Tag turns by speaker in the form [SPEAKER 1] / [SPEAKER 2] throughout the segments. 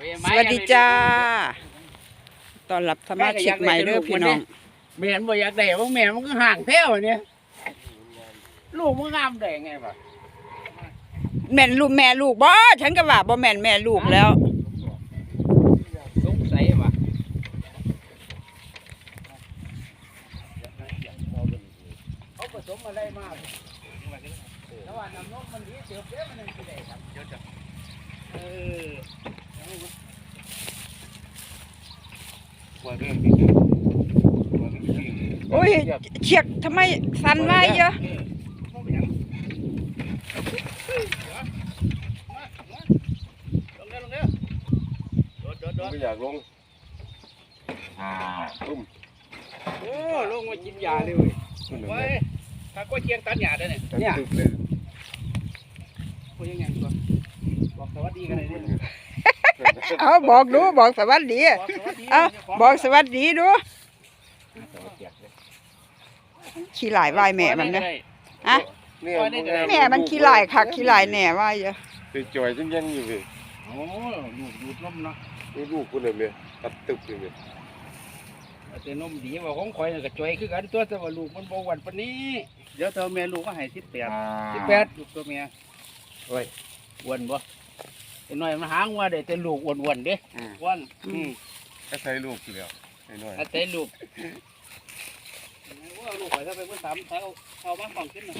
[SPEAKER 1] สวัสดีจ้าตอนรับสมาชิกใหม่เด้อพี่น้อง
[SPEAKER 2] แม่บ่อยากได้ว่าแม่มันก็ห่างแท้วเนี่ยลูกมันงามได้ไงวะ
[SPEAKER 1] แม่ลูกบ่ฉันก็ว่าบ่แม่นแม่ลูกแล้ว
[SPEAKER 2] สงสัยว่ะเขาผสมอะไรมาแต่ว่าน้ำนมมันดีเสียบเด้มันยังสิได้ครับเดี๋ยวจะ
[SPEAKER 1] โอ้ยเชือกทำไมสั่นไว้เยอะ
[SPEAKER 3] ไม่อยากลงตุ้ม
[SPEAKER 2] โอ้ลงมากินยาเลยเว้ยเว้ยถ้าก็เชียงตัดหญ้าได้เนี่ยคุยยังไงตัวบอกสวัสดีกันเลยเนี่ย
[SPEAKER 1] เอาบอกดูบอกสวัสดีเอาบอกสวัสดีดูขี้หลายไหวแม่มันนะฮะแม่มันขี้หลายคักขี้หลายแหน่ว่าเยอะ
[SPEAKER 3] ไปจ่อยจังยังอยู่เลย
[SPEAKER 2] โอ้ลูกดูดนมเนาะ
[SPEAKER 3] นี่ลูกคนเลยเนี่ยตัดตึกเลย
[SPEAKER 2] แต่นมดีว่าของข่อยน่ะก็จ่อยคือกันตัวแต่ว่าลูกมันบ่หวานปานนี้เดี๋ยวเธอแม่ลูกก็ให้18ลูกตัวแม่โอ้ยอ้วนบ่ไอ้น้อยมันหางว่าได้แต่ลูกอ้วนๆเด้อ้วน
[SPEAKER 3] ก็ใส่ลูกอยู่แล้วไอ้น้อย
[SPEAKER 2] แต่ลูกว่าลูกข่อยถ้าไปเพิ่นถามเอามาฟังขึ้นน่ะ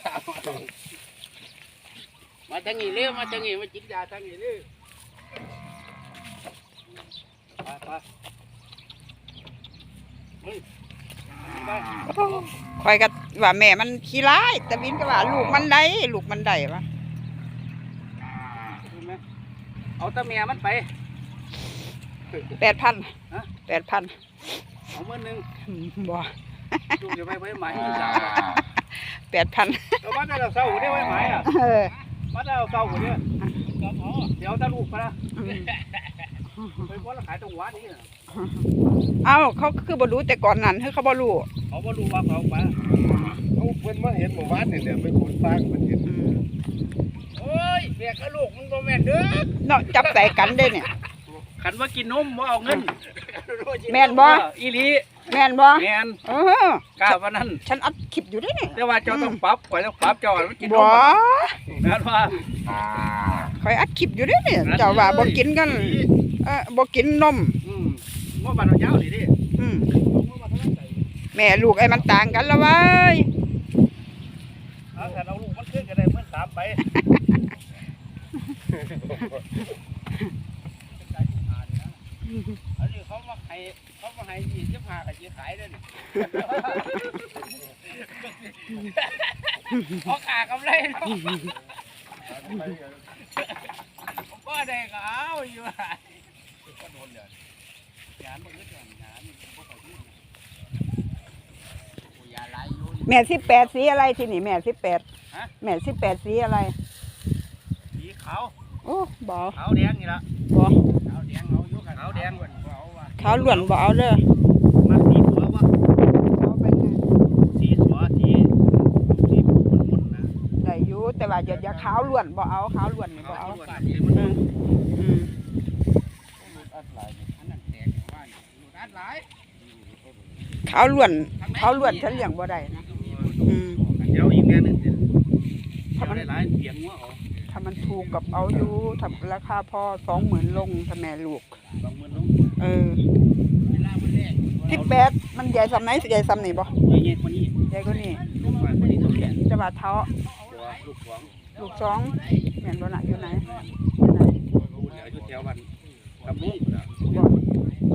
[SPEAKER 2] มาทางนี้เร็วมาทางนี้มากินยาทางนี้เร็วไป
[SPEAKER 1] คอยก็ว่าแม่มันขี้ร้ายแต่วินก็ว่าลูกมันได้วะ
[SPEAKER 2] เอาตาแม่มันไป
[SPEAKER 1] 8,000
[SPEAKER 2] เอามื้อนึง
[SPEAKER 1] บ่
[SPEAKER 2] ลูกจะไปไว้หมายที่สาม
[SPEAKER 1] 8,000
[SPEAKER 2] เอามาได้เราเศร้าหัวได้ไว้หมายอ่ะมาได้เราเศร้าหัวเนี่ยเดี๋ยวตาลูกไปนะไปว่าเราขายตรงวัดนี่นะ
[SPEAKER 1] เอ้าเขาคือบ่รู้แต่ก่อนนั้นคือเขาบ่รู้
[SPEAKER 2] เขาบ่รู้ว่าเขาไป
[SPEAKER 3] เขาเพิ่นมาเห็นหมู่บ้านนี่แหละไปขุดฟางมันเห็น
[SPEAKER 2] โอ้ยแม่กับลูกมันบ่แม่นเด้อ
[SPEAKER 1] เนาะจับใส่กันได้เนี่ย
[SPEAKER 2] ขันว่ากินนมบ่เอาเงิน
[SPEAKER 1] แม่นบ่
[SPEAKER 2] อีหลี
[SPEAKER 1] แม่นบ่
[SPEAKER 2] แม่นกล้าว่านั้น
[SPEAKER 1] ฉันอัดคลิปอยู่ได้เนี่ย
[SPEAKER 2] แต่ว่าเจ้าต้องปรับข่อยต้องปรับเจ้ามันกินนม
[SPEAKER 1] บ่
[SPEAKER 2] นั่นว่า
[SPEAKER 1] ข่อยอัดคลิปอยู่ได้เนี่ยเจ้าว่าบ่กินกันบ่กินนม
[SPEAKER 2] ว่าบ้านเรายาวนี่ดิ
[SPEAKER 1] แม่ลูกไอ้มันต่างกันแล้วเว้ย
[SPEAKER 2] เอาแต่เราลูกมันขึ้นกันได้เหมือน3ไปอันนี้เขามาให้25ก็สิขายเด้อนี่พอขากำไรเนาะบ่ได้ก็เอาอยู่ก็โดนเด้องานบ่อึดงานบ่ค่อยดีโอ้ยาหลายอยู่
[SPEAKER 1] แม่18สีอะไรที่นี่แม่18
[SPEAKER 2] ฮะ
[SPEAKER 1] แม่18สีอะไร
[SPEAKER 2] สีขาว
[SPEAKER 1] โอ้บ่
[SPEAKER 2] ขาวแดงนี่ล่ะ
[SPEAKER 1] บ่
[SPEAKER 2] ขาวแดงเอาอยู่ขาวแดงบ่เอาว่ะ
[SPEAKER 1] ขาวล้วนบ่เอาเด้อ
[SPEAKER 2] มาสีหัวบ่
[SPEAKER 1] เอาไปไง
[SPEAKER 2] สีหัวสีมุนๆนะ
[SPEAKER 1] ได้อยู่แต่ว่าอย่าขาวล้วนบ่เอาขาวล้วนนี่บ่เอาขาวล้วนฉันเลี้ยงบ่ได้นะ
[SPEAKER 2] เดี๋ยวอีกแม่นึงถ้ามันหลายเปียงหัวเอา
[SPEAKER 1] ถ้ามันถูกกับเอาอยู่ถ้าราคาพอ 20,000 ลงถ้าแม่ลูก
[SPEAKER 2] 20,000 ลงเวลามันแรก
[SPEAKER 1] 18มันใหญ่ซำไหนใหญ่ซำนี่บ่
[SPEAKER 2] ใหญ่กว่านี้
[SPEAKER 1] ใหญ่กว่านี้จะว่าเท้าลูก2แม่นบ่น่ะอยู่ไหน
[SPEAKER 2] อยู่แถวบ้านตำบุ้ง